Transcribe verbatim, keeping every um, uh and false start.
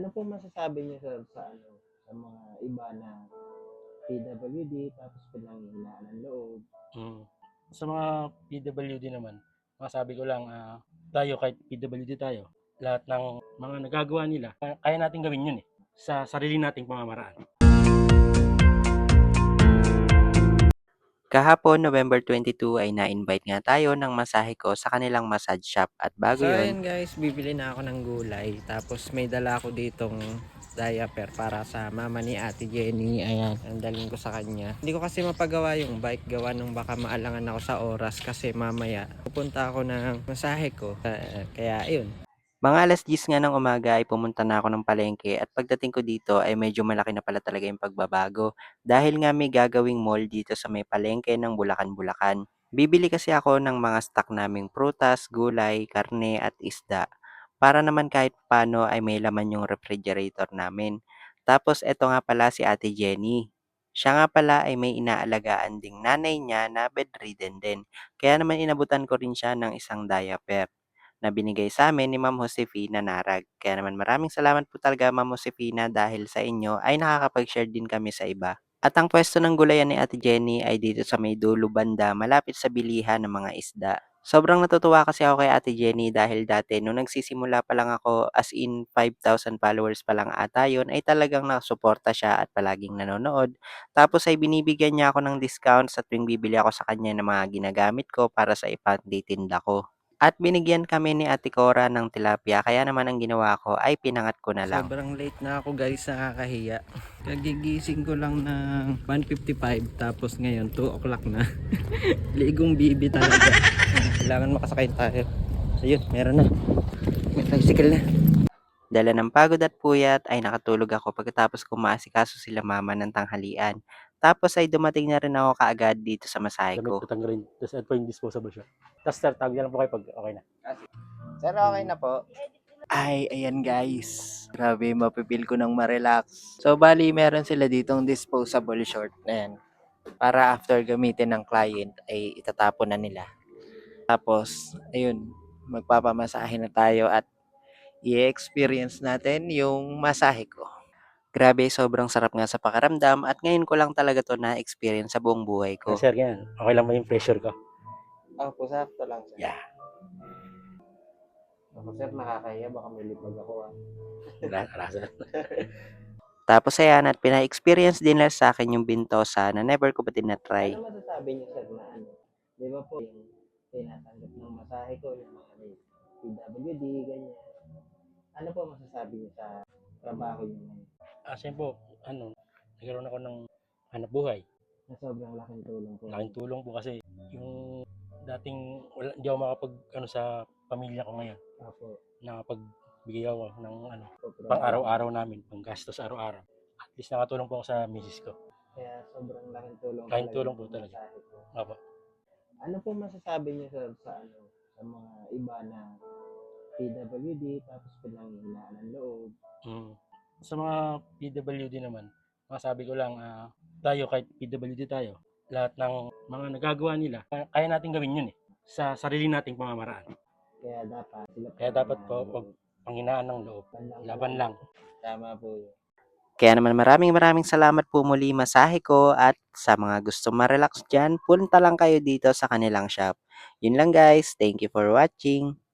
Ano po masasabi niyo sir sa ano, sa mga iba na P W D tapos pinanghihinaan ng loob? Hmm. Sa mga P W D naman, masasabi ko lang, ah, tayo kahit P W D tayo, lahat ng mga nagagawa nila, kaya kaya nating gawin 'yun, eh, sa sarili nating pamamaraan. Kahapon, November twenty-two ay na-invite nga tayo ng masahe ko sa kanilang massage shop at bago So yun, ayan guys, bibili na ako ng gulay. Tapos may dala ako ditong diaper para sa mama ni Ate Jenny. Ayan, ang dalhin ko sa kanya. Hindi ko kasi mapagawa yung bike gawa nung baka maalangan ako sa oras kasi mamaya pupunta ako ng masahe ko. Ah, kaya ayun. mga alas diyes nga ng umaga ay pumunta na ako ng palengke at pagdating ko dito ay medyo malaki na pala talaga yung pagbabago dahil nga may gagawing mall dito sa may palengke ng Bulacan-Bulacan. Bibili kasi ako ng mga stock naming prutas, gulay, karne at isda para naman kahit paano ay may laman yung refrigerator namin. Tapos eto nga pala si Ate Jenny. Siya nga pala ay may inaalagaan ding nanay niya na bedridden din. Kaya naman inabutan ko rin siya ng isang diaper na binigay sa amin ni Ma'am Josefina Narag. Kaya naman maraming salamat po talaga Ma'am Josefina dahil sa inyo ay nakakapag-share din kami sa iba. At ang pwesto ng gulayan ni Ate Jenny ay dito sa may dulo banda malapit sa bilihan ng mga isda. Sobrang natutuwa kasi ako kay Ate Jenny dahil dati nung nagsisimula pa lang ako as in five thousand followers pa lang ata yun ay talagang nakasuporta siya at palaging nanonood. Tapos ay binibigyan niya ako ng discount sa tuwing bibili ako sa kanya ng mga ginagamit ko para sa ipagtitinda ko. At binigyan kami ni Ate Cora ng tilapia kaya naman ang ginawa ko ay pinangat ko na lang. Sobrang late na ako guys, nakakahiya. Kagigising ko lang ng one fifty-five tapos ngayon two o'clock na. Ligong bibi talaga. Kailangan makasakay tayo. So yun, meron na. May tricycle na. Dala ng pagod at puyat ay nakatulog ako pagkatapos ko maasikaso sila mama ng tanghalian. Tapos ay dumating na rin ako kaagad dito sa masahe Damit ko. ko tanggalin, tapos ito po yung disposable siya. Tapos sir, tawag na lang po kayo 'pag okay na. Sir, okay na po. Ay, ayan guys. Grabe, mapipil ko ng ma-relax. So, bali, meron sila ditong disposable short na yan. Para after gamitin ng client, ay itatapon na nila. Tapos, ayun, magpapamasahe na tayo at i-experience natin yung masahe ko. Grabe, sobrang sarap nga sa pakiramdam at ngayon ko lang talaga to na-experience sa buong buhay Ah, ko. sir, ganyan, okay lang ba yung pressure ko? Opo, sakto lang sir. Yeah. Ako sir, nakakahiya. Baka may lipag ako ah. Wala wala sir. Tapos ayan at pina-experience din nila sa akin yung bintosa na never ko pa din na-try. Ano masasabi niyo sir na ano? Di ba po yung tinatanggap ng masahe ko, yung mga may P W D, ganyan. Ano po masasabi niyo sa trabaho niyo ngayon? Ah, siyempre po, ano, nagkaroon ako ng hanap buhay. Na sobrang laking tulong po. Laking tulong po kasi yung dating wala, hindi ako makapag ano sa pamilya ko ngayon. Opo. Nakapagbigay ako ng ano, Opo. pang araw-araw namin, pang gastos araw-araw. At least nakatulong po ako sa misis ko. Kaya sobrang laking tulong. Laking talaga tulong ng po talaga. masahe ko. Opo. Ano po masasabi niyo sir sa ano, sa mga iba na P W D tapos pinanghihinaan ng loob? Mm. Sa mga P W D naman, masasabi ko lang, ah, tayo kahit P W D tayo, lahat ng mga nagagawa nila, kaya kaya nating gawin 'yun, eh, sa sarili nating pamamaraan. Kaya dapat sila Kaya dapat po 'wag panghinaan ng loob, laban lang. Tama po yun. Kaya naman maraming maraming salamat po muli masahe ko at sa mga gusto ma-relax dyan, punta lang kayo dito sa kanilang shop. Yun lang guys, thank you for watching.